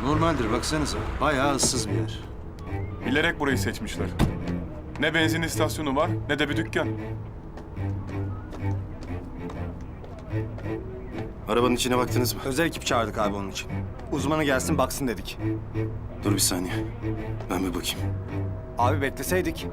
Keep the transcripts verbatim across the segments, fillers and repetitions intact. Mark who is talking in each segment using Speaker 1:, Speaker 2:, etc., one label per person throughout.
Speaker 1: Normaldir baksanıza. Bayağı ıssız bir yer.
Speaker 2: Bilerek burayı seçmişler. Ne benzin istasyonu var ne de bir dükkan.
Speaker 3: Arabanın içine baktınız mı?
Speaker 4: Özel ekip çağırdık abi onun için. Uzmanı gelsin baksın dedik.
Speaker 3: Dur bir saniye. Ben bir bakayım.
Speaker 4: Abi bekleseydik.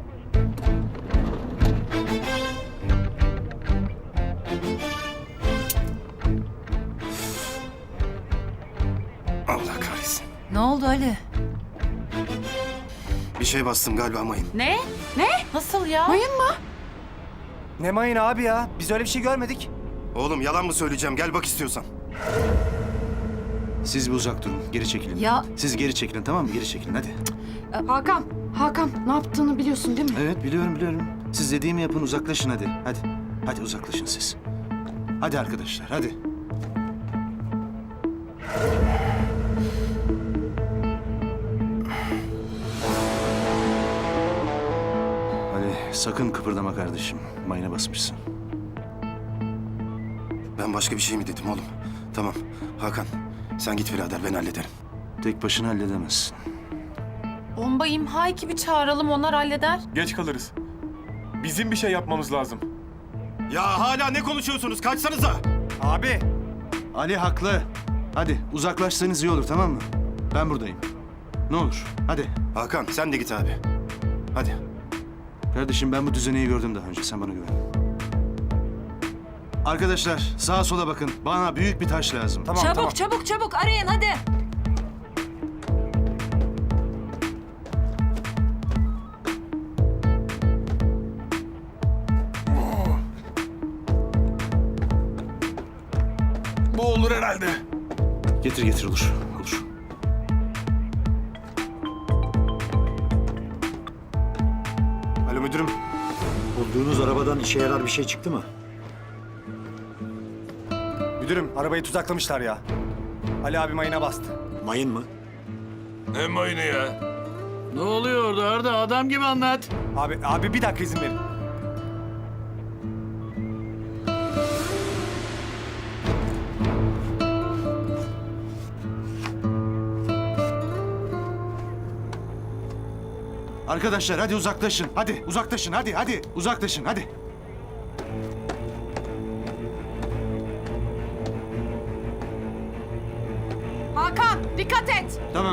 Speaker 3: Allah kahretsin.
Speaker 5: Ne oldu Ali?
Speaker 3: Bir şey bastım galiba mayın.
Speaker 5: Ne? Ne? Nasıl ya?
Speaker 6: Mayın mı?
Speaker 4: Ne mayın abi ya? Biz öyle bir şey görmedik.
Speaker 3: Oğlum yalan mı söyleyeceğim? Gel bak istiyorsan.
Speaker 1: Siz bir uzak durun. Geri çekilin.
Speaker 5: Ya-
Speaker 1: Siz geri çekilin tamam mı? Geri çekilin hadi.
Speaker 6: Hakan, Hakan ne yaptığını biliyorsun değil mi?
Speaker 1: Evet biliyorum biliyorum. Siz dediğimi yapın uzaklaşın hadi. Hadi. Hadi uzaklaşın siz. Hadi arkadaşlar hadi. Ali sakın kıpırdama kardeşim. Mayına basmışsın.
Speaker 3: Ben başka bir şey mi dedim oğlum? Tamam. Hakan sen git birader ben hallederim.
Speaker 1: Tek başına halledemezsin.
Speaker 5: Bomba imha ekibi çağıralım, onlar halleder.
Speaker 2: Geç kalırız. Bizim bir şey yapmamız lazım.
Speaker 3: Ya hala ne konuşuyorsunuz? Kaçsanıza!
Speaker 4: Abi.
Speaker 1: Ali haklı. Hadi uzaklaşsanız iyi olur tamam mı? Ben buradayım. Ne olur hadi.
Speaker 3: Hakan sen de git abi. Hadi.
Speaker 1: Kardeşim ben bu düzeneyi gördüm daha önce. Sen bana güven. Arkadaşlar sağa sola bakın. Bana büyük bir taş lazım.
Speaker 4: Tamam
Speaker 5: çabuk
Speaker 4: tamam.
Speaker 5: çabuk çabuk arayın hadi.
Speaker 2: Bu olur herhalde.
Speaker 1: Getir getir olur. Olur.
Speaker 3: Alo müdürüm.
Speaker 7: Bulduğunuz arabadan işe yarar bir şey çıktı mı?
Speaker 4: Müdürüm arabayı tuzaklamışlar ya. Ali abi mayına bastı.
Speaker 7: Mayın mı?
Speaker 8: Ne mayını ya?
Speaker 9: Ne oluyor orada Arda? Adam gibi anlat.
Speaker 4: Abi abi bir dakika izin verin.
Speaker 1: Arkadaşlar hadi uzaklaşın. Hadi uzaklaşın hadi hadi. Uzaklaşın hadi.
Speaker 5: Hakan dikkat et.
Speaker 1: Tamam.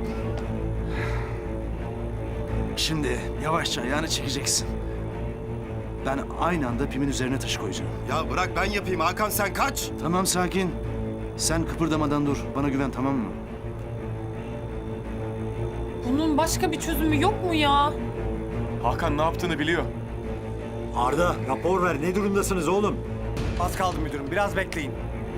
Speaker 1: Şimdi yavaşça ayağını çekeceksin. Ben aynı anda pimin üzerine taşı koyacağım.
Speaker 3: Ya bırak ben yapayım Hakan sen kaç.
Speaker 1: Tamam sakin. Sen kıpırdamadan dur. Bana güven tamam mı?
Speaker 5: Bunun başka bir çözümü yok mu ya?
Speaker 2: Hakan ne yaptığını biliyor.
Speaker 7: Arda rapor ver. Ne durumdasınız oğlum?
Speaker 4: Az kaldı müdürüm biraz bekleyin.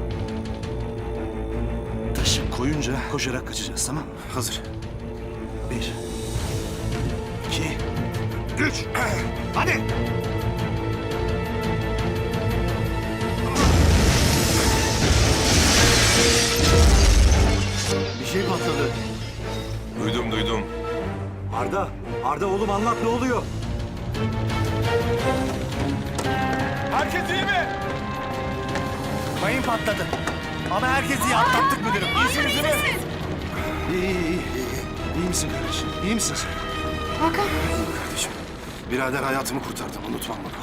Speaker 1: Taşı koyunca koşarak kaçacağız tamam mı?
Speaker 3: Hazır.
Speaker 1: Bir. İki. Üç. Hadi.
Speaker 7: Bir şey patladı.
Speaker 8: Duydum duydum.
Speaker 7: Arda, Arda oğlum anlat ne oluyor?
Speaker 2: Herkes iyi mi?
Speaker 4: Mayın patladı. Ama herkesi iyi atlattık müdürüm. İyisiniz değil mi?
Speaker 1: İyi iyi iyi. İyi misin kardeşim? İyi misin sen?
Speaker 6: Hakan,
Speaker 3: Kardeşim. Birader hayatımı kurtardın unutmam bunu.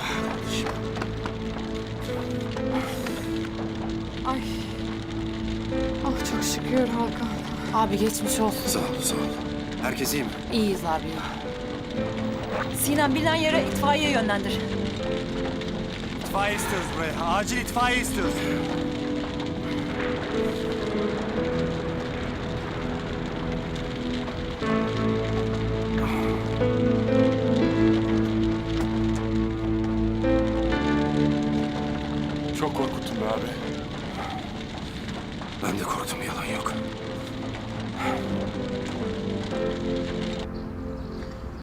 Speaker 6: ay. Ah çok şükür Hakan.
Speaker 5: Abi geçmiş olsun.
Speaker 3: Sağ ol sağ ol. Herkes iyi mi?
Speaker 5: İyiyiz abi.
Speaker 10: Sinem bilinen yere itfaiye yönlendir.
Speaker 4: İtfaiye istiyoruz buraya. Acil itfaiye istiyoruz.
Speaker 2: Çok korkuttun be abi.
Speaker 3: Ben de korktum yalan yok.